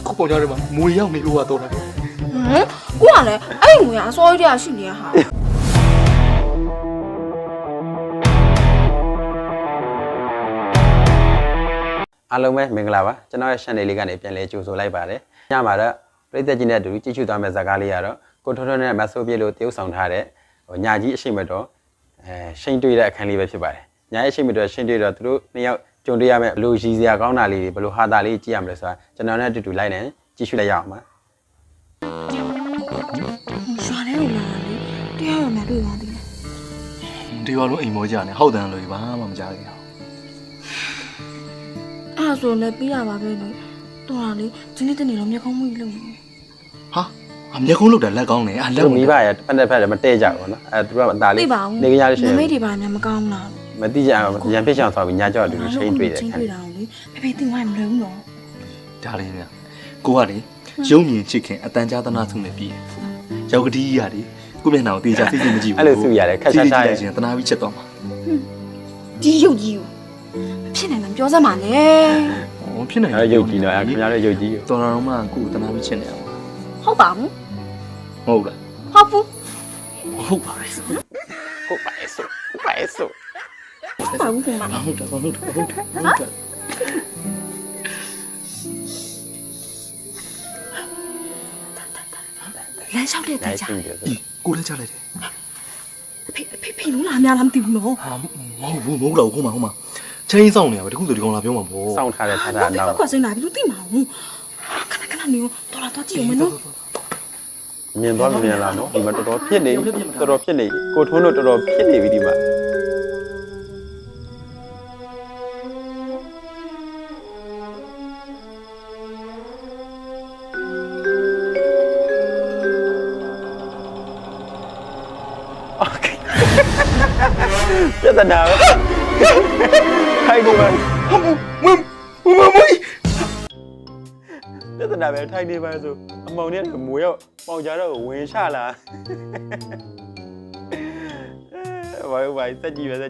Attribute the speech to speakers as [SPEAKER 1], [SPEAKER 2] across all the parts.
[SPEAKER 1] ခုပေါ်ကြတယ်မှာမွေရောက်နေလို့ကတော့တာ
[SPEAKER 2] ကိုကလည်းအဲ့ငွေကအစောကြီးတည်းရှိနေရဟာ
[SPEAKER 3] အားလုံးပဲမင်္ဂလာပါကျွန်တော်ရဲ့ channel လေးကနေပြန်လဲကြိုဆိုလိုက်ပါတယ်ညမှာတော့ပြည်သက်ကြီးနဲ့အတူကြည့်ရှုသွားမယ့်ဇာတ်ကားလေးကတော့ကိုထွန်းထွန်းနဲ့မဆိုးပြေလို့တရုပ်ဆောင်ထားတဲ့ညာကြီးအရှိမတော်ရှိန်တွေ့တဲ့အခန်းလေးပဲဖြစ်ပါတယ်ညာရဲ့အရှိမတော်ရှိန်တွေ့တော့သူတို့နှစ်ယောက်ကြုံတွေ့ရမယ့်ဘလို့ရည်စရာကောင်းတာလေးတွေဘလို့ဟာတာလေးကြည့်ရမလဲဆိုတာကျွန်တော်နဲ့အတူတူလိုက်နေကြည့်ရှုလိုက်ရအောင်ပါ
[SPEAKER 2] ရွာထဲကိုလာလေတရားရမယ်တွေ့ပါသေးတယ်
[SPEAKER 1] ဒီဘာလို့အိမ်မောကြနေဟောက်တန်လို့ဘာမှမကြားသေးဘူး
[SPEAKER 2] အဲ့ဒါဆိုလည်းပြီးရပါပဲလေတော်တာလေဒီနေ့တနေ့တော့မျက်ခုံးမှုကြီးလုပ်နေ
[SPEAKER 1] ဟာအမျက်ခုံးလောက်တာလက်ကောင်းနေအလက်
[SPEAKER 3] မိဘရဲ့ပတ်သက်ဖက်တယ်မတည့်ကြဘူးနော်အဲသူတို့ကအသားလေးနေကြရလို့ရှိရင်
[SPEAKER 2] မိတ်တွေပါများမကောင်းလား
[SPEAKER 3] မတိကြအောင်ရန်ဖြစ်ချောင်ဆိုပြီးညာကြောက်အတူတူရှိန်တွေ့တယ်
[SPEAKER 2] ချင်း
[SPEAKER 3] ခါ
[SPEAKER 2] တွေ့တာလေဖေဖေတင်ဝိုင်းမလွယ်ဘူးနော်
[SPEAKER 1] ဒါလေးများကိုကလေရုံမြင်ချစ်ခင်အတန်ကြားသနာဆုံးနေပြီရောက်ကတိကြီးရတယ်ကိုမျက်နှာကိုတေးချစိတ်စိတ်မကြည့်ဘူး
[SPEAKER 3] အဲ့လိုစုရတယ်ခက်ရှားရှားရဲ့
[SPEAKER 1] ရှင်တနာပြီးချက်တော့မှာ
[SPEAKER 2] ဒီရုပ်ကြီးကိုဖြစ်နေမှပြောစမ်းပါနဲ့
[SPEAKER 1] ဟောဖြစ်နေ
[SPEAKER 3] အဲ့ရုပ်ကြီးတော့ခင်ဗျားတို့ရုပ်ကြီး
[SPEAKER 1] တော်တော်မှကိုတနာပြီးချက်နေအောင်
[SPEAKER 2] ဟုတ်ပါဘူး
[SPEAKER 1] ဟုတ်လား
[SPEAKER 2] ဟုတ်ဘူး
[SPEAKER 1] ဟုတ်ပါရဲ့
[SPEAKER 3] ဟုတ်ပါရဲ့ဆိုဟုတ်ပါရဲ့ဆို
[SPEAKER 2] ဟုတ်ပါဘူးခင်ဗျာ
[SPEAKER 1] ဟုတ်တယ်ဟုတ်တယ်ဟုတ်တယ်
[SPEAKER 2] လမ်းလျှောက်တဲ့တိုင်ကြ
[SPEAKER 1] ကိုလည်းချလိုက်တယ်
[SPEAKER 2] ဖေလို့လာများလားမသိဘူးနော်
[SPEAKER 1] ဟာမဟုတ်ဘူးဟိုမှာချင်းဆောင်နေရပဲတခုဆိုဒီကောင်လာပြောမှာပေါ့
[SPEAKER 3] စောင့်ထားတဲ့ထားတာနောက်
[SPEAKER 2] ခွက်စင်းလာပြီလို့သိမှာဘူးခဏနေတော့လာတော့ကြည့်အောင်မနော်
[SPEAKER 3] မြင်သွားမမြင်လားနော်ဒီမှာတော်တော်ဖြစ်နေတော်တော်ဖြစ်နေကိုထွန်းတို့တော်တော်ဖြစ်နေပြီဒီမှာ ပြဿနာပဲထိုင်နေပါမပြဿနာပဲထိုင်နေပါဆိုအမောင်နဲ့မွေရောက်ပေါင်ကြတော့ဝင်ချလာဘာစက်ကြည့်ပဲ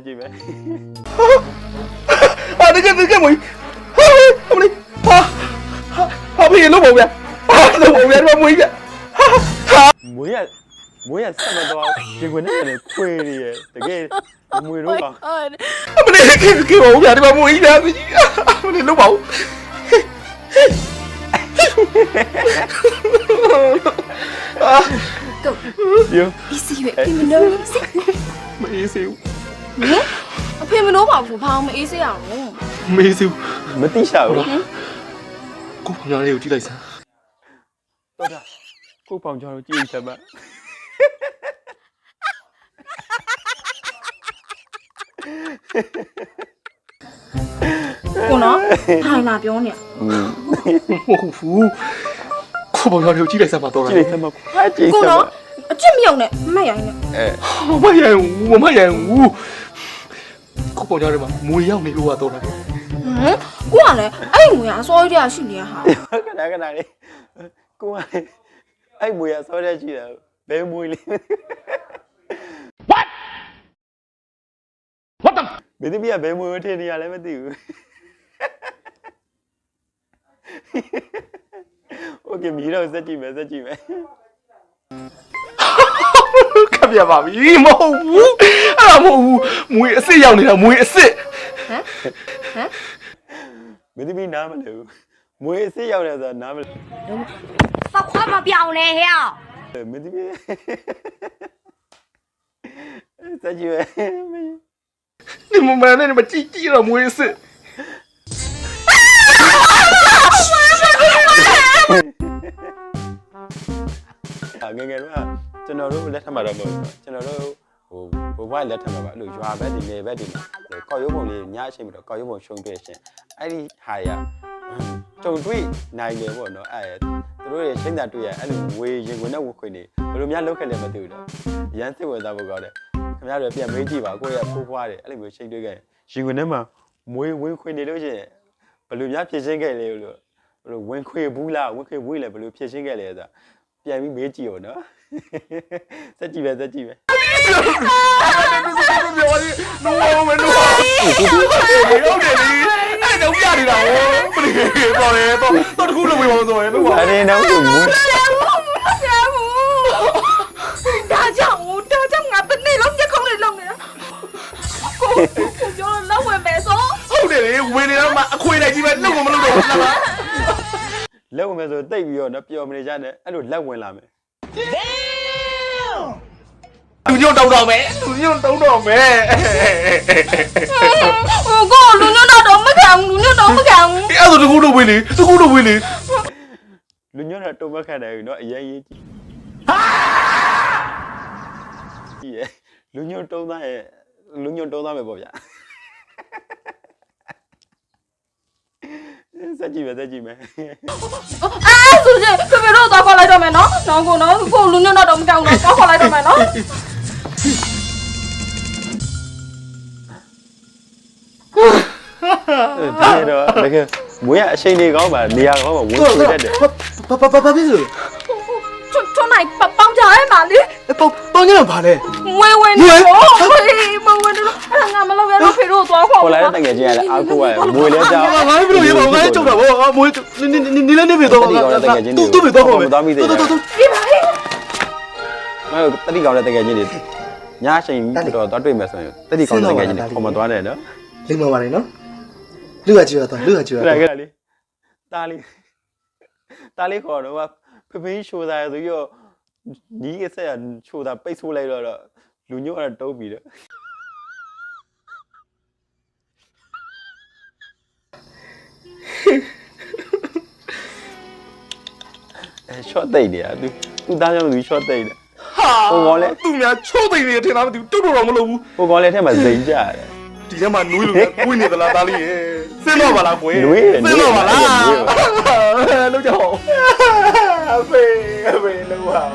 [SPEAKER 1] ဟာတကယ်မွေးဟာမလေးဟာဖေးလို့ပေါ့ဗျာဟာလို့ပေါ့ဗျာဒီမှာမွေးဗျ
[SPEAKER 3] မွေရဆက်မသွားဒီကွနဲ့လည်းခွေနေရတကယ်မွေတော့ပါ
[SPEAKER 1] မလေးကေပေါ့ဗျာဒီမှာမွေးလားမလေးလို့ပေါ့
[SPEAKER 3] ပြော
[SPEAKER 2] အီစီပဲအဖေမလို့အီစီ
[SPEAKER 1] မအေးစေဘူး
[SPEAKER 2] ဟင်အဖေမလို့ပါဘူးဘာမှမအေးစေရအောင်
[SPEAKER 1] မအေးစေဘူး
[SPEAKER 3] မတိရှာဘူး
[SPEAKER 1] ကိုဖောင်ရလေးကိုကြည့်လိုက်စမ်း
[SPEAKER 3] တော်တာကိုပေါင်ကြောတော့ကြည့်ချက်ပါ
[SPEAKER 2] ကိုနော်ထိုင်လာပြောနေ
[SPEAKER 1] ဟုတ်ဘူးကိုဖောင်ရလေးကိုကြည့်လိုက်စမ်းပါတော့
[SPEAKER 3] ကြည့်ချက်ပါကြည့်
[SPEAKER 2] ကို
[SPEAKER 3] ချက်ပါ
[SPEAKER 2] နော်အချစ်မယုံနဲ့မက်ရိုင်းနဲ့
[SPEAKER 1] မရဘူးကိုဖောင်ရလေးမှာမွေရောက်နေလို့ကတော့တာ
[SPEAKER 2] ဟင်ကိုကလည်းအဲ့ငွေကအစောကြီးတည်းရှိနေရဟာ
[SPEAKER 3] ခဏလေးကိုကအဲ့မွေရဆောတဲ့ကြည့်တာဘယ်မွေလေး
[SPEAKER 1] What the
[SPEAKER 3] မင်းသမီးကဘယ်မွေထင်နေရလဲမသိဘူးโอเคမီးတော့စက်ကြည့်မယ်
[SPEAKER 1] ခပ်ပြပါပြီမဟုတ်ဘူးအဲ့ဒါမဟုတ်ဘူးမွေအစ်စ်ရောက်နေတာမွေအစ်စ်
[SPEAKER 2] ဟမ်
[SPEAKER 3] မင်းသမီးနားမလဲဘူးမွေအစ်စ်ရောက်တယ်ဆိုတာနားမလဲ
[SPEAKER 4] 发快嘛表嘞呀！
[SPEAKER 3] မင်းသမီးစက်ကြည့်ပဲ
[SPEAKER 1] 你们买那你们记了没事。
[SPEAKER 3] ငယ်တော့ကျွန်တော်တို့လက်ထပ်မှာတော့မဟုတ်ဘူးကျွန်တော်တို့ဟိုဘဝလက်ထပ်မှာပါအဲ့လိုရွာဘက်ဒီနယ်ဘက်ဒီမှာကောက်ရုံးပုံလေးညအချိန်မှာတော့ကောက်ရုံးပုံရှုံးပြရှင်အဲ့ဒီဟာရကြုံတွေ့နိုင်တယ်ပေါ့နော်အဲ့သူတို့ရဲ့ချိန်သာတွေ့ရအဲ့လိုဝေရင်ဝင်တဲ့ဝခွေနေဘယ်လိုများလောက်ခဲ့လဲမသိဘူးတော့ရမ်းစစ်ဝင်သားဖို့ကောင်းတယ်ခင်ဗျားတို့ပြန်မေးကြည့်ပါကိုယ့်ရဲ့ဖိုးဖွားတယ်အဲ့လိုမျိုးချိန်တွေ့ခဲ့ရင်ဝင်ထဲမှာမွေးဝင်ခွေနေလို့ရှိရင်ဘယ်လိုများဖြစ်ရှင်းခဲ့လဲလို့ဘယ်လိုဝင်ခွေဘူးလားဝင်ခွေဘူးလေဘယ်လိုဖြစ်ရှင်းခဲ့လဲဆိုတာပြန်ပြီးမေးကြည့်ရောနော်စက်ကြည့်ပဲ
[SPEAKER 1] no 我们弄，哎， တော့ပြနေတာဟောပရိတော်တယ်တော့တခုလုံးဝေးပါဆိုရင်လို့ပါ
[SPEAKER 3] အဲ့ဒီတော့ဘူး
[SPEAKER 2] ဒါကြောင့်ငါတစ်နေ့လုံးမျက်ခုံးလေးလုံးနေတာကိုပြောလို့လောက်ဝင်မယ်ဆို
[SPEAKER 1] ဟုတ်တယ်လေဝင်နေတော့မှအခွေလိုက်ကြီးပဲလုံးဝမလုပ်တော့ဘူးလား
[SPEAKER 3] လက်ဝင်မယ်ဆိုတိတ်ပြီးတော့နော်ပျော်မနေကြနဲ့အဲ့လိုလက်ဝင်လာမယ်
[SPEAKER 1] လူညွန့်တောင်းတော့မယ်လူညွန့်တောင်းတော့မယ်
[SPEAKER 2] ကိုလူညွန့်တော့မခံဘူးလူညွန့်တော့မခံဘူး
[SPEAKER 1] အဲ့ဒါတခုတော့ဝေးလေတခုတော့ဝေးလေ
[SPEAKER 3] လူညွန့်တော့တုံးမခတ်တယ်နော်အရင်ရေးကြည့်လူညွန့်တုံးသားရဲ့လူညွန့်တုံးသားပဲပေါ့ဗျာစက်ကြည့်မယ်
[SPEAKER 2] ဆိုရင်ဖေဖေတို့တော့ခေါ်လိုက်တော့မယ်နော်ကိုလူညွန့်တော့မခံဘူးတော့ခေါ်လိုက်တော့မယ်နော်
[SPEAKER 3] ဒီတော့တကယ်မွေးရအချိန်တွေကောင်းပါနေရာကောင်းပါဝင်ဆွေးတတ်တယ်
[SPEAKER 1] ဘာဖြစ်လို့
[SPEAKER 2] ထွန်းနိုင်ပေါင်းကြရဲမှာလေ
[SPEAKER 1] ပေါင်းကြတော့ဘာလဲ
[SPEAKER 2] ဝဲဝဲနေတော့မဝဲနေတော့ငါမလုပ်ရတော့ဖေတို့သွားခေါ်
[SPEAKER 3] ခေါ်လာတဲ့တကယ်ကြီးရလဲအာကိုကမွေးလဲကြောက်
[SPEAKER 1] ငါဘယ်လိုရပါ့ငါကျုပ်တာဗောငါမွေးနေလဲနေပြီတော့
[SPEAKER 3] တတိကောင်တဲ့တကယ်ကြီးတွေ
[SPEAKER 1] တူပြီတော့ခေါ်မယ်
[SPEAKER 3] သွားမိသေးတယ်
[SPEAKER 2] ဒီပါလေ
[SPEAKER 3] မဟုတ်တတိကောင်တဲ့တကယ်ကြီးတွေညအချိန်တော့သွားတွေ့မယ်ဆိုရင်တတိကောင်တဲ့တကယ်ကြီးတွေခေါ်မသွားနဲ့နော်
[SPEAKER 5] လိမ္မာပါလေနော်လူကကြည့်ရတော့လူကကြည့်ရ
[SPEAKER 3] ခဏ
[SPEAKER 5] တော့
[SPEAKER 3] ခဏလေးတားလေးခေါ်တော့ဖဖေးရှိုးသားရဆိုပြီးတော့ညီးကဆက်ရရှိုးသားပိတ်ဆိုးလိုက်တော့လူညို့အဲ့တုံးပြီးတော့ရှော့တိတ်နေတာသူသားကြောင့်သူရှော့တိတ်တယ်
[SPEAKER 1] ဟိုကောင်လဲသူများချိုးသိနေတယ်ထင်လားမသိဘူးတုတ်တော့မလုပ်ဘူး
[SPEAKER 3] ဟိုကောင်လည်းထဲမှာဇိမ်ကြရတယ်
[SPEAKER 1] ဒီထဲမှာနွေးလို့ကွေးနေသလားသားလေးရေစင်းတော့ပါလားကွယ်
[SPEAKER 3] နွေးတယ်
[SPEAKER 1] စင်းတော့ပါလားလောက်ကြအောင်အဖေလောက်ပါ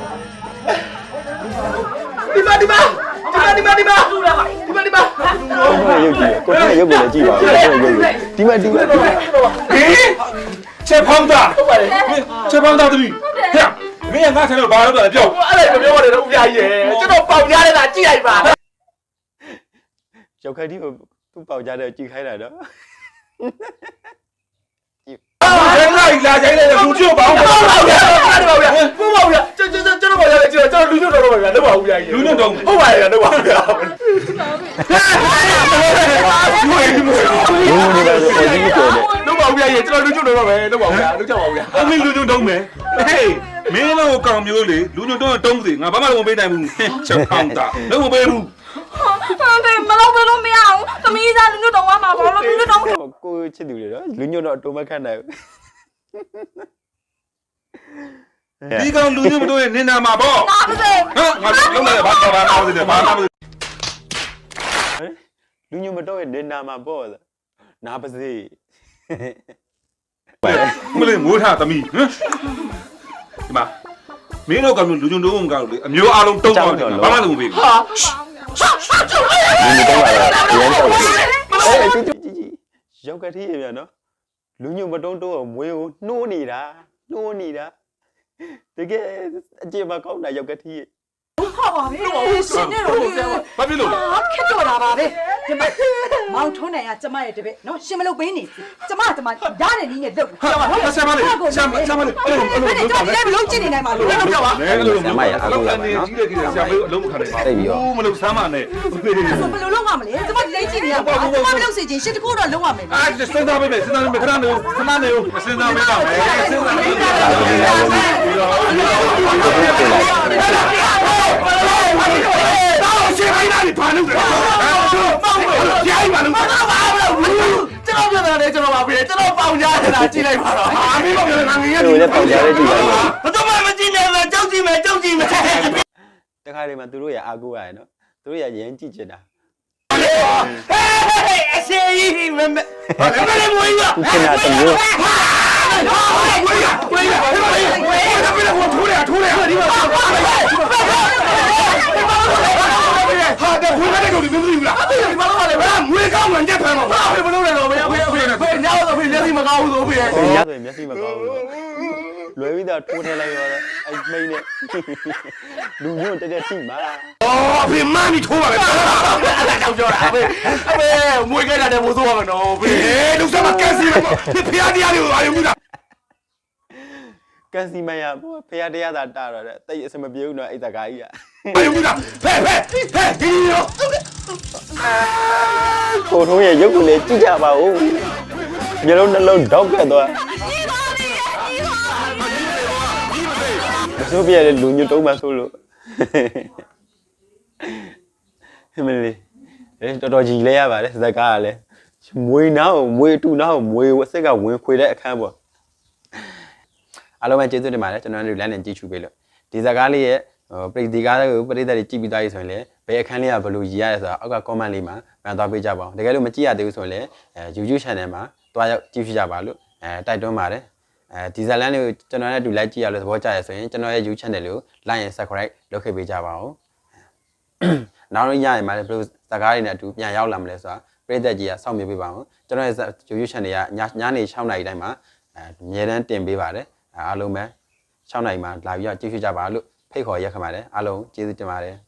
[SPEAKER 1] ဒီမ
[SPEAKER 3] ကို
[SPEAKER 1] ဒီမ
[SPEAKER 3] ရုပ်ကြည့်ကိုရုပ်ကိုလည်းကြည့်ပါဦးကိုရုပ်ဒီ
[SPEAKER 1] ချက်ဖောင်းတာဟုတ်ပါတယ်ချက်ဖောင်းတာသမီးဟဲ့မင်းကငါဆိုင်လို့ဘာလုပ်တာလဲပြောအဲ့ဒါမပြောရတယ်တော့ဦးပြကြီးရေကျွန်တော်ပေါင်ကြားနေတာကြည့်လိုက်ပါ
[SPEAKER 3] ကျောက်ခက်ဒီကိုသူ့ပေါက်ကြတဲ့ကြည့်ခိုင်းတာတော့
[SPEAKER 1] ဘယ်လိုက်လာကြိုင်းလဲလူချို့ပါအောင်ပါဗျာပါဗျာကျွန်တော်ပါရတယ်ကျွန်တော်လူချို့တော့ပါဗျာတော့ပါဦးဗျာလူညွတ်တော့ဟုတ်ပါရဲ့တော့ပါဗျာ
[SPEAKER 3] ဘူးနေပါဆိုဒီကိုတယ်
[SPEAKER 1] တော့ပါဦးဗျာကျွန်တော်လူချို့တော့ပဲတော့ပါဦးဗျာလုပ်ကြပါဦးဗျာအမင်းလူချို့တုံးမယ်ဟေးမင်းတို့ကောင်မျိုးလေလူညွတ်တော့တုံးစီငါဘာမှလုံးမပေးနိုင်ဘူးချက်ဖောင်းတာလုံးမပေးဘူး
[SPEAKER 2] ဖေမလုပ်ဘယ်လိုမရအောင်သမီးသားလူညွန့်တော့မှာဘာလို့လူညွန့်တော့
[SPEAKER 3] ကိုချစ်သူတွေတော့လူညွတ်တော့အတုံးမခတ်နိုင်ဘူး
[SPEAKER 1] ဒီကောင်လူညွတ်မတို့ရဲ့နင်နာမှာပေါ့
[SPEAKER 2] နာပါစေ
[SPEAKER 1] ဟမ်ငါလုံးလိုက်ဘာနာပါစေဘာနာပါစေ
[SPEAKER 3] လူညွတ်မတော့ရဲ့နေနာမှာပေါ့နာပါစေ
[SPEAKER 1] မလေးမိုးထားသမီးဟမ်ဒီမှာမင်းတို့ကလူညွတ်တော့မကောက်လေအမျိုးအားလုံးတုံးသွားတယ်ဘာမှလုံးမပေးဘူးဟာ
[SPEAKER 3] လူညွတ်တော့ရန်တော့ကြီးရောက်ကတိရပြန်နော်လူညွတ်မတုံးတော့မွေးကိုနှိုးနေတာတကယ်အကျေမကောင်းတာရောက်ကတိ
[SPEAKER 6] ဟုတ်ပါပြီရှင်နေတော့
[SPEAKER 1] ဘာဖြစ်လို့
[SPEAKER 6] ခက်တော့တာပါပဲဒီမှာမောင်ထွန်းနိုင်ကကျမရဲ့တပည့်နော်ရှင်မလုပ်ပေးနေကျမရတဲ့နည်းနဲ့လုပ်
[SPEAKER 1] ဟာဆရာမလေးဆရာမလေးအဲ့လိုလုပ်ပါနဲ့
[SPEAKER 6] မလုပ်ချင်နေနိုင်ပါလို့
[SPEAKER 1] လုပ်ကြပါနဲ့အဲ့လို
[SPEAKER 3] ဆရာမရအကူရပါနော်
[SPEAKER 1] ကြီးတဲ့ကြီးဆရာမေးအလုံးမခံနိုင်ပါဘူးမလုပ်ဆမ်းပါနဲ့
[SPEAKER 6] ဘယ်လိုလုပ်ရမလဲကျမလိမ့်ကြည့်နေရပါကျမမလုပ်စေချင်ရှစ်တကူတော့လုပ်ရမယ်
[SPEAKER 1] အာစဉ်းစားပေးမယ်ခဏနေစဉ်းစားပေးပါမယ်စဉ်းစားပေးပါမယ်တော့ရှင်းလိုက်တာဘာလို့လဲရိုက်ပါလို့ကျွန်တော်ပြောတယ်ကျွန်တော်ပါပြီကျွန်တော်ပေါင်ကြားနေတာကြည့်လိုက်ပါတော့ဟာမင်းပြောနေတာငါငယ်
[SPEAKER 3] လူလည်းပေါက်ကြတဲ့ကြည့်ပါဦး
[SPEAKER 1] ဘာတော့မှမကြည့်နဲ့လားကြောက်ကြည့်မယ်
[SPEAKER 3] တခါတည်းမှာသူတို့ရအာကူရရနော်သူတို့ရရန်ကြည့်ချင်တာ
[SPEAKER 1] အစေးကြီးမမဘာလဲမွေးရ
[SPEAKER 3] သူချင်တာတမျိုး
[SPEAKER 1] ဝေးရထိုးရဒီမှာဟာတဝေးတဲ့ကောင်တွေမသိဘူးလားအဲ့ဒီဘာလို့လဲဘာငွေကောင်းမှညက်ဖမ်းမှာဘာဖေမလုပ်နဲ့တော့ဖေညောင်းတော့ဖေမျက်စိမကောင်းဘူးဆိုဖေ
[SPEAKER 3] ရဆိုရင်မျက်စိမကောင်းဘူးလွယ်ပြီးတော့ထိုးထဲလိုက်ရောအဲ့မိန်းနဲ့လူညွန့်တက်ထိမှာ
[SPEAKER 1] အော်ဖေမမီထိုးပါပဲအဲ့ဒါကြောက်ကြောတာဖေမွေးခဲ့တာတဲ့ဘိုးဆိုးပါမနော်ဖေလူစမကန်စီမဖေဖျားတရားတွေကိုအာရုံပြုတာ
[SPEAKER 3] ကန်စီမန်ရဖះတရားသာတာတော့တဲ့တိတ်အစမပြေဘူးနော်အဲ့တကားကြီးက
[SPEAKER 1] အာရုံပြုတာဖေဒီရော
[SPEAKER 3] ကိုထုံးရဲ့ရုပ်ကလေးကြည့်ကြပါဦးမျိုးလုံးနှလုံးတောက်ခဲ့သွားမစိုးပြရတဲ့လူညွတ်တုံးမှဆိုလို့မလေးတော်တော်ကြီးလဲရပါတယ်ဇက်ကားကလည်းမွေနာကိုမွေတူနာကိုမွေအစ်စ်ကဝင်ခွေတဲ့အခန်းပေါ့အားလုံးပဲကျေးဇူးတင်ပါတယ်ကျွန်တော်တို့လမ်းနဲ့ကြည့်ချူပေးလို့ဒီဇက်ကားလေးရဲ့ပရိသတ်ကားကိုပရိသတ်တွေကြည့်ပြီးသားပြီဆိုရင်လည်းဘယ်အခန်းလေးကဘယ်လိုရည်ရလဲဆိုတာအောက်က comment လေးမှာမှန်သွားပေးကြပါဦးတကယ်လို့မကြည့်ရသေးဘူးဆိုရင်လည်းYouTube channel မှာတွားရောက်ကြည့်ဖြစ်ကြပါလို့တိုက်တွန်းပါတယ်ဒီဇက်လန်လေးကိုကျွန်တော်နဲ့အတူလိုက်ကြည့်ရလို့သဘောကျရဆိုရင်ကျွန်တော်ရဲ့ YouTube channel ကို like and subscribe လုပ်ခဲ့ပေးကြပါဦးနောက်တော့ညရင်မှာလည်းဘယ်လိုဇက်ကားတွေနဲ့အတူပြန်ရောက်လာမလဲဆိုတာပရိသတ်ကြီးကစောင့်မျှော်ပေးပါဦးကျွန်တော်ရဲ့ YouTube channel ကညနေ6:00 နာရီတိုင်းမှာအမြဲတမ်းတင်ပေးပါတယ်အားလုံးပဲ6:00 နာရီမှာလာပြီးတော့ကြည့်ဖြစ်ကြပါလို့ဖိတ်ခေါ်ရက်ခပါတယ်အားလုံးကျေးဇူးတင်ပါတယ်